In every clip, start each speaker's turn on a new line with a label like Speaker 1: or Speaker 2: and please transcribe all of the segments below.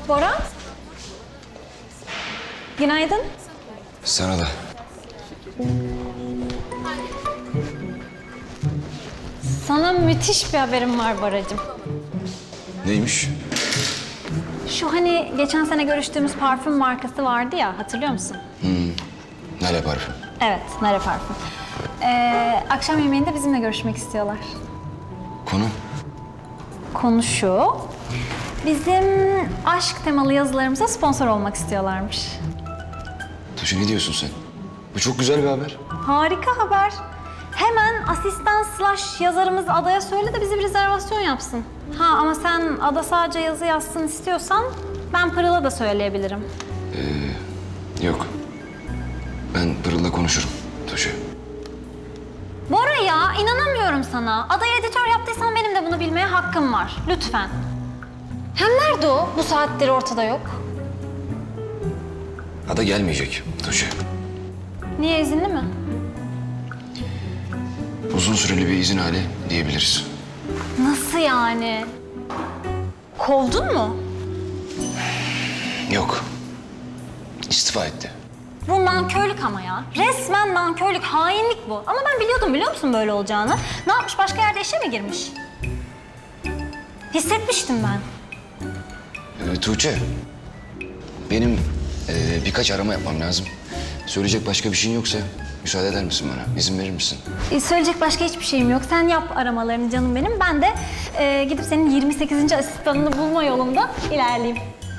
Speaker 1: Bora? Günaydın.
Speaker 2: Sana da.
Speaker 1: Sana müthiş bir haberim var Boracığım.
Speaker 2: Neymiş?
Speaker 1: Şu hani geçen sene görüştüğümüz parfüm markası vardı ya, hatırlıyor musun?
Speaker 2: Nale parfüm.
Speaker 1: Evet, Nare Parfüm. Akşam yemeğinde bizimle görüşmek istiyorlar.
Speaker 2: Konu?
Speaker 1: Konu şu, bizim aşk temalı yazılarımıza sponsor olmak istiyorlarmış.
Speaker 2: Tuğçe ne diyorsun sen? Bu çok güzel bir haber.
Speaker 1: Harika haber. Hemen asistan / yazarımız Ada'ya söyle de bize bir rezervasyon yapsın. Ha ama sen Ada sadece yazı yazsın istiyorsan ben Pırıl'a da söyleyebilirim.
Speaker 2: Yok. Ben Pırıl'la konuşurum Tuğçe.
Speaker 1: Bora ya, inanamıyorum sana. Ada'yı editör yaptıysan benim de bunu bilmeye hakkım var. Lütfen. Hem nerede o? Bu saatleri ortada yok.
Speaker 2: Ada gelmeyecek Tuğçe.
Speaker 1: Niye, izinli mi?
Speaker 2: Uzun süreli bir izin hali diyebiliriz.
Speaker 1: Nasıl yani? Kovdun mu?
Speaker 2: Yok. İstifa etti.
Speaker 1: Bu nankörlük ama ya. Resmen nankörlük, hainlik bu. Ama ben biliyordum, biliyor musun böyle olacağını? Ne yapmış, başka yerde işe mi girmiş? Hissetmiştim ben.
Speaker 2: Tuğçe. Benim birkaç arama yapmam lazım. Söyleyecek başka bir şeyin yoksa müsaade eder misin bana? İzin verir misin?
Speaker 1: Söyleyecek başka hiçbir şeyim yok. Sen yap aramalarını canım benim. Ben de gidip senin 28. asistanını bulma yolunda ilerleyeyim.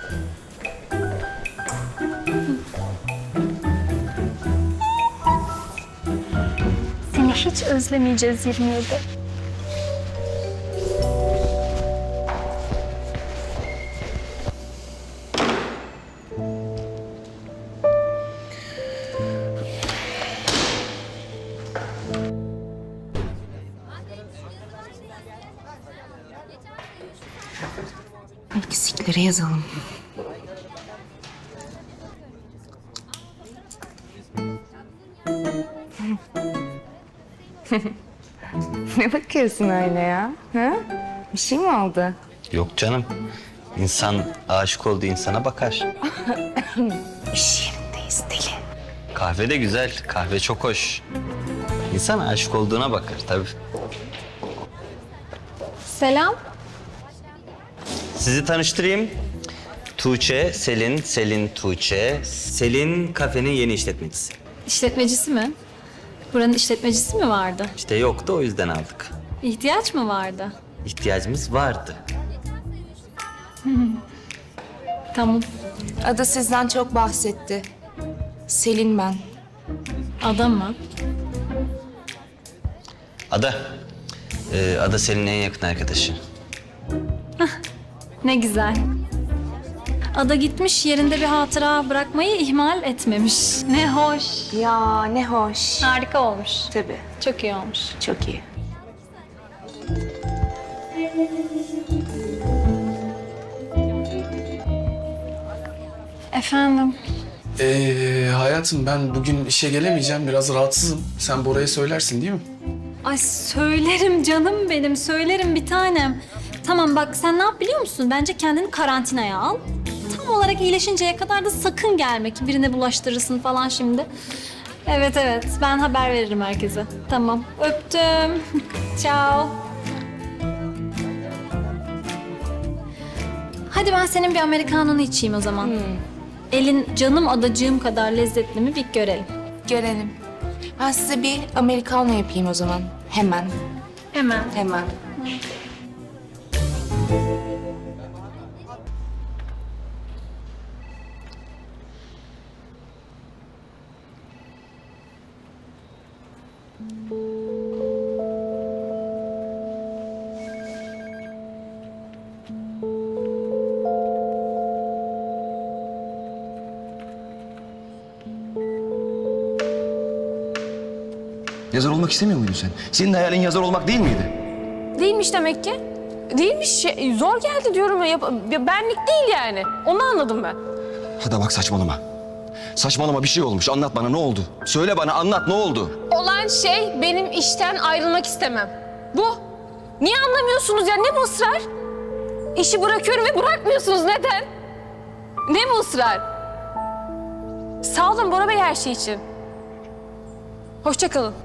Speaker 1: Seni hiç özlemeyeceğiz 27.
Speaker 3: Eksikleri yazalım. Ne bakıyorsun öyle ya? Ha? Bir şey mi oldu?
Speaker 4: Yok canım. İnsan aşık olduğu insana bakar.
Speaker 3: İş yerindeyiz deli.
Speaker 4: Kahve de güzel. Kahve çok hoş. İnsan aşık olduğuna bakar tabii.
Speaker 1: Selam.
Speaker 4: Sizi tanıştırayım. Tuğçe, Selin, Selin, Tuğçe. Selin kafenin yeni işletmecisi.
Speaker 1: İşletmecisi mi? Buranın işletmecisi mi vardı?
Speaker 4: İşte yoktu, o yüzden aldık.
Speaker 1: İhtiyaç mı vardı?
Speaker 4: İhtiyacımız vardı.
Speaker 1: Tamam.
Speaker 3: Ada sizden çok bahsetti. Selin ben.
Speaker 1: Adam mı?
Speaker 4: Ada. Ada Selin'in en yakın arkadaşı.
Speaker 1: Ne güzel. Ada gitmiş, yerinde bir hatıra bırakmayı ihmal etmemiş. Ne hoş.
Speaker 3: Ya ne hoş.
Speaker 1: Harika olmuş.
Speaker 3: Tabii.
Speaker 1: Çok iyi olmuş.
Speaker 3: Çok iyi.
Speaker 1: Efendim?
Speaker 5: Hayatım ben bugün işe gelemeyeceğim. Biraz rahatsızım. Sen Bora'ya söylersin değil mi?
Speaker 1: Ay söylerim canım benim, söylerim bir tanem. Tamam bak, sen ne yap biliyor musun? Bence kendini karantinaya al. Tam olarak iyileşinceye kadar da sakın gelme ki birine bulaştırırsın falan şimdi. Evet evet, ben haber veririm herkese. Tamam, öptüm. Ciao. Hadi ben senin bir Amerikanını içeyim o zaman. Elin canım adacığım kadar lezzetli mi bir görelim.
Speaker 3: Görelim. Ben size bir Americano yapayım o zaman. Hemen.
Speaker 1: Hemen.
Speaker 3: Hemen.
Speaker 2: Yazar olmak istemiyor muydun sen? Senin hayalin yazar olmak değil miydi?
Speaker 6: Değilmiş demek ki. Değilmiş. Zor geldi diyorum ya. Benlik değil yani. Onu anladım ben.
Speaker 2: Hadi bak saçmalama. Saçmalama, bir şey olmuş. Anlat bana, ne oldu? Söyle bana, anlat, ne oldu?
Speaker 6: Olan şey benim işten ayrılmak istemem. Bu. Niye anlamıyorsunuz ya? Ne bu ısrar? İşi bırakıyorum ve bırakmıyorsunuz. Neden? Ne bu ısrar? Sağ olun Bora Bey her şey için. Hoşça kalın.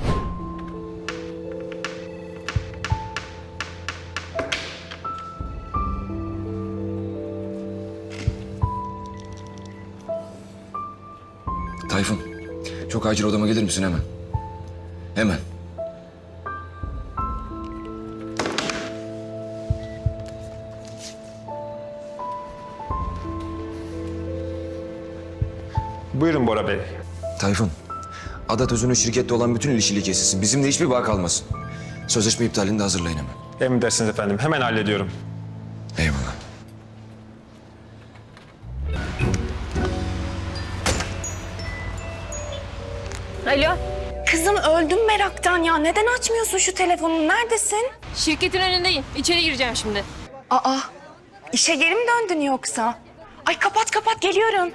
Speaker 2: Tayfun, çok acil odama gelir misin hemen? Hemen.
Speaker 7: Buyurun Bora Bey.
Speaker 2: Tayfun, Adat Özün'ün şirkette olan bütün ilişkili kesilsin. Bizimle hiçbir bağ kalmasın. Sözleşme iptalini de hazırlayın hemen.
Speaker 7: Emredersiniz efendim. Hemen hallediyorum.
Speaker 2: Eyvallah.
Speaker 6: Alo.
Speaker 3: Kızım öldüm meraktan ya. Neden açmıyorsun şu telefonu? Neredesin?
Speaker 6: Şirketin önündeyim. İçeri gireceğim şimdi.
Speaker 3: Aa, işe geri mi döndün yoksa? Ay kapat kapat geliyorum.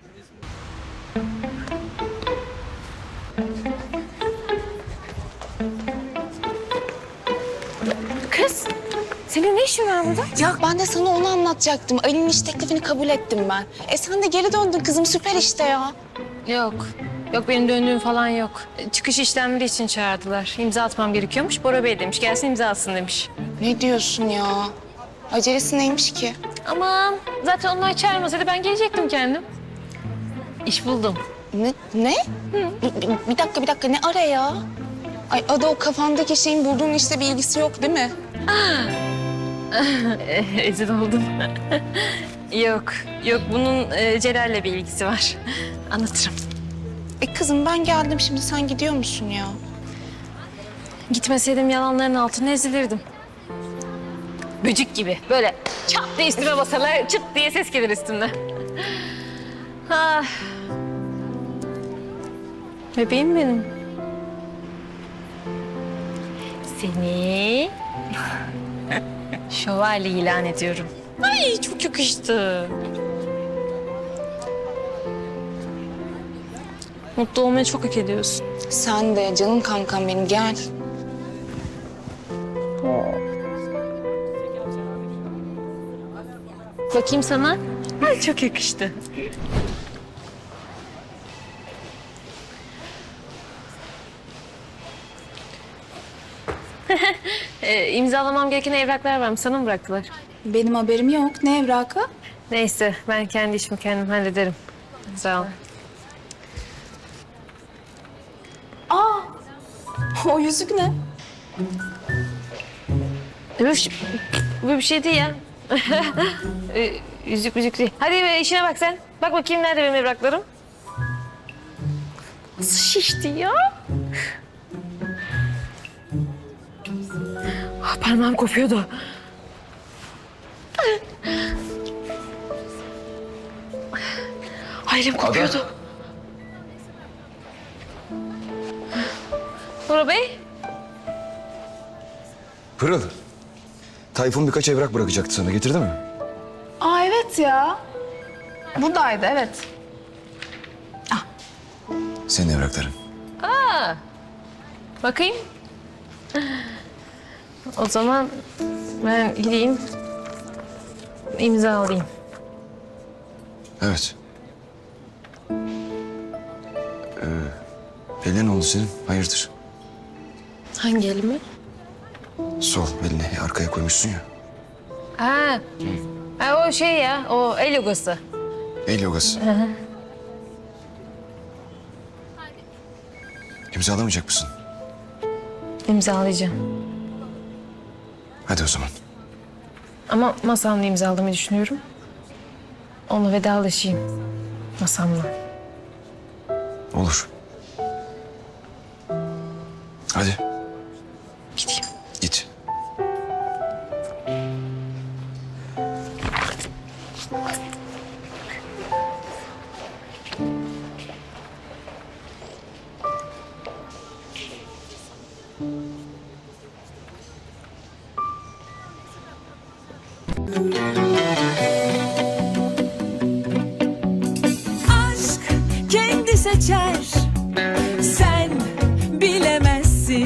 Speaker 6: Kız, senin ne işin var burada?
Speaker 8: Ya ben de sana onu anlatacaktım. Ali'nin iş teklifini kabul ettim ben. Sen de geri döndün kızım, süper işte ya.
Speaker 6: Yok. Yok benim döndüğüm falan yok. Çıkış işlemleri için çağırdılar. İmza atmam gerekiyormuş. Bora Bey demiş. Gelsin imza atsın demiş.
Speaker 8: Ne diyorsun ya? Acelesi neymiş ki?
Speaker 6: Aman zaten onlar çağırmasaydı ben gelecektim kendim. İş buldum.
Speaker 8: Ne? Bir dakika ne ara ya? Ay Ada, o kafandaki şeyin bulduğun işte bir ilgisi yok değil mi?
Speaker 6: Ezil oldum. Yok bunun Celal'le bir ilgisi var. Anlatırım.
Speaker 8: Kızım ben geldim, şimdi sen gidiyor musun ya?
Speaker 6: Gitmeseydim yalanların altına ezilirdim. Böcük gibi böyle çat diye üstüme basarlar, çıt diye ses gelir üstümden. Ah. Bebeğim benim. Seni şövalye ilan ediyorum. Ay çok yakıştı. Mutlu olmayı çok hak ediyorsun.
Speaker 8: Sen de canım kankam benim, gel.
Speaker 6: Bakayım sana. Ay çok yakıştı. İmzalamam gereken evraklar varmış. Sana mı bıraktılar?
Speaker 8: Benim haberim yok. Ne evrakı?
Speaker 6: Neyse ben kendi işimi kendim hallederim. Sağ ol.
Speaker 8: O yüzük ne?
Speaker 6: Bu bir şey değil ya. Yüzük değil. Hadi işine bak sen. Bak bakayım nerede benim evraklarım? Nasıl şişti ya? Parmağım kopuyordu. Ay, elim kopuyordu. Bora Bey.
Speaker 2: Pırıl, Tayfun birkaç evrak bırakacaktı sana. Getirdi mi?
Speaker 3: Aa evet ya. Buradaydı evet.
Speaker 2: Senin evrakların.
Speaker 6: Bakayım. O zaman ben gideyim, imza alayım.
Speaker 2: Evet. Eline ne oldu senin? Hayırdır?
Speaker 6: Hangi elimi?
Speaker 2: Sol elini arkaya koymuşsun ya.
Speaker 6: Ha o şey ya, o el yogası.
Speaker 2: El yogası. İmzalamayacak mısın?
Speaker 6: İmzalayacağım.
Speaker 2: Hadi o zaman.
Speaker 6: Ama masamla imzalamayı düşünüyorum. Onunla vedalaşayım. Masamla.
Speaker 2: Olur. Hadi.